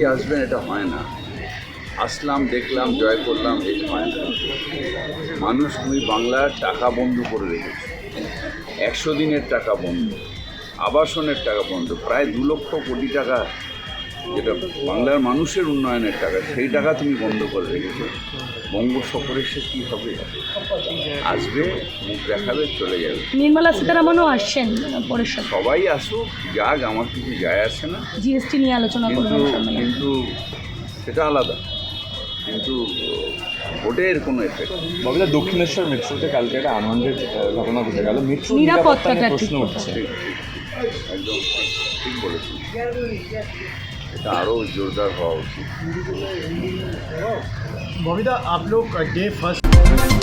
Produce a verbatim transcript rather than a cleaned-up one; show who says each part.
Speaker 1: সবাই আসবেন এটা হয় না। আসলাম, দেখলাম, জয় করলাম, এই হয় না। মানুষ তুমি বাংলার টাকা বন্ধ করে রেখেছে, একশো দিনের টাকা বন্ধ, আবাসনের টাকা বন্ধ, প্রায় দু লক্ষ কোটি টাকা যেটা বাংলার মানুষের উন্নয়নের টাকা, সেই টাকা তুমি বন্ধ করে রেখেছো। বঙ্গ সফরে সে কী হবে? আসবে, মুখ দেখাবে, চলে যাবে।
Speaker 2: নির্মলা সীতারামনও আসছেন পরিষদ,
Speaker 1: সবাই আসুক, যাক, আমার কিছু যায় আসে না,
Speaker 2: জিএসটি নিয়ে আলোচনা
Speaker 1: কিন্তু
Speaker 2: করবেন সম্মেলনে।
Speaker 1: কিন্তু সেটা আলাদা, কিন্তু ভোটের কোনো এফেক্ট।
Speaker 3: ববিদা, দক্ষিণেশ্বর মেট্রোতে কালকে একটা আনন্দের ঘটনা ঘটে গেল, মেট্রো
Speaker 2: নিরাপত্তাটা
Speaker 3: নিরাপত্তা নিয়ে
Speaker 2: ঠিক
Speaker 3: প্রশ্ন
Speaker 2: করতে
Speaker 3: উঠছে।
Speaker 1: ঠিক ঠিক একদম ঠিক বলেছি, এটা আরও জোরদার হওয়া উচিত।
Speaker 4: बबीता, आप लोग डे फर्स्ट